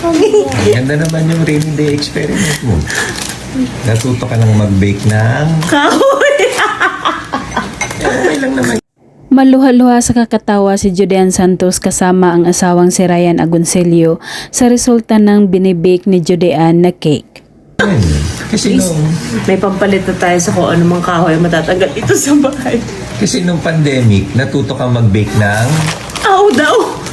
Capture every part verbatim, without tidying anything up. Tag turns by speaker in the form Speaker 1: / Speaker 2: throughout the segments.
Speaker 1: Ganda naman yung rainy day experiment mo. Natuto ka lang mag-bake ng...
Speaker 2: Kahoy!
Speaker 1: Okay lang naman.
Speaker 3: Maluha-luha sa kakatawa si Judean Santos kasama ang asawang si Ryan Agoncillo sa resulta ng binibake ni Judean na cake.
Speaker 1: Kasi nung,
Speaker 2: May pampalit na tayo sa kung anumang kahoy matatanggal dito sa bahay.
Speaker 1: kasi nung pandemic, natuto ka mag-bake ng...
Speaker 2: Aw daw!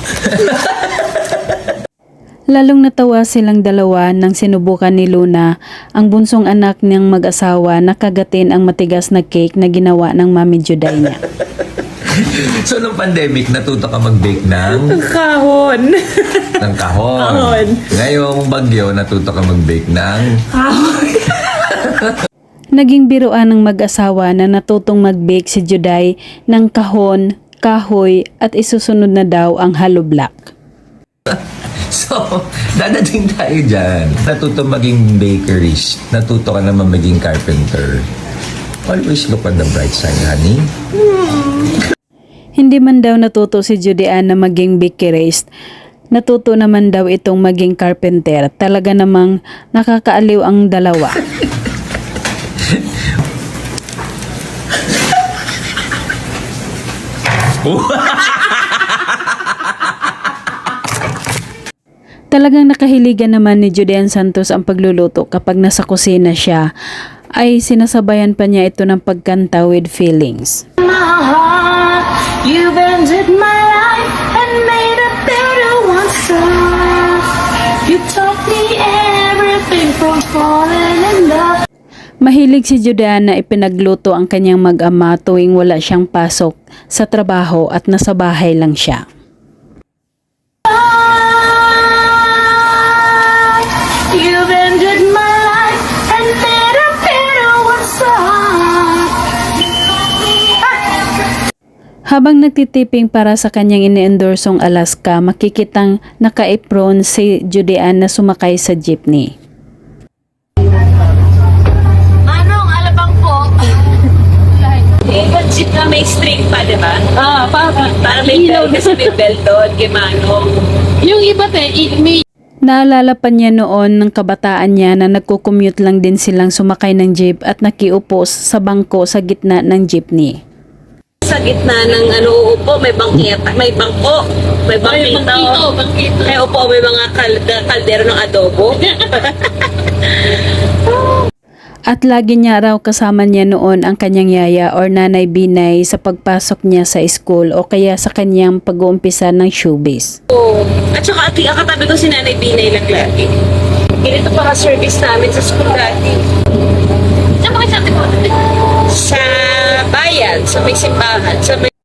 Speaker 3: Lalong natawa silang dalawa nang sinubukan ni Luna, ang bunsong anak niyang mag-asawa, na kagatin ang matigas na cake na ginawa ng mami Juday niya.
Speaker 1: So nung pandemic, natuto ka mag-bake ng...
Speaker 2: Kahon!
Speaker 1: ng kahon.
Speaker 2: Kahon.
Speaker 1: Ngayong bagyo, natuto ka mag-bake ng...
Speaker 2: Kahoy!
Speaker 3: Naging biruan ng mag-asawa na natutong mag-bake si Juday ng kahon, kahoy at isusunod na daw ang hollow block.
Speaker 1: So, dadating tayo dyan. Natuto maging bakerist. Natuto ka naman maging carpenter. Always look on the bright side, honey.
Speaker 3: Hindi man daw natuto si Judean na maging bakerist, natuto naman daw itong maging carpenter. Talaga namang nakakaaliw ang dalawa. Talagang nakahiligan naman ni Judean Santos ang pagluluto kapag nasa kusina siya, ay sinasabayan pa niya ito ng pagkanta with feelings.
Speaker 4: My heart, you've ended my life and made a better one, so you taught me everything from falling in love.
Speaker 3: Mahilig si Judean na ipinagluto ang kanyang mag-ama tuwing wala siyang pasok sa trabaho at nasa bahay lang siya.
Speaker 4: You've ended my life and made a better one, so
Speaker 3: Habang nagtitiping para sa kanyang ini-endorsong Alaska, makikitang naka-apron si Judean na sumakay sa jeepney.
Speaker 4: Anong alabang po?
Speaker 2: Ikot jeep na may string pa, di ba?
Speaker 5: Ah, para
Speaker 2: Para may belt, kasi may belt doon, kay Manong.
Speaker 5: yung iba te, i- may
Speaker 3: Naalala pa niya noon ng kabataan niya na nagko-commute lang din silang sumakay ng jeep at nakiupo sa bangko sa gitna ng jeepney.
Speaker 2: Sa gitna ng ano, uupo, may bangketa, may bangko, may
Speaker 5: may
Speaker 2: bangkito.
Speaker 5: bangkito, bangkito.
Speaker 2: May upo, may mga kal- kaldero ng adobo.
Speaker 3: At lagi niya raw kasama niya noon ang kanyang yaya or nanay Binay sa pagpasok niya sa school o kaya sa kanyang pag-uumpisa ng showbiz.
Speaker 2: Oo. At saka ati, ang katabi ko si Nanay Binay lang lagi. Ganito para service namin sa school dati.
Speaker 4: Saan ba kayo sa atin po?
Speaker 2: Sa bayan, sa may simbahan, sa may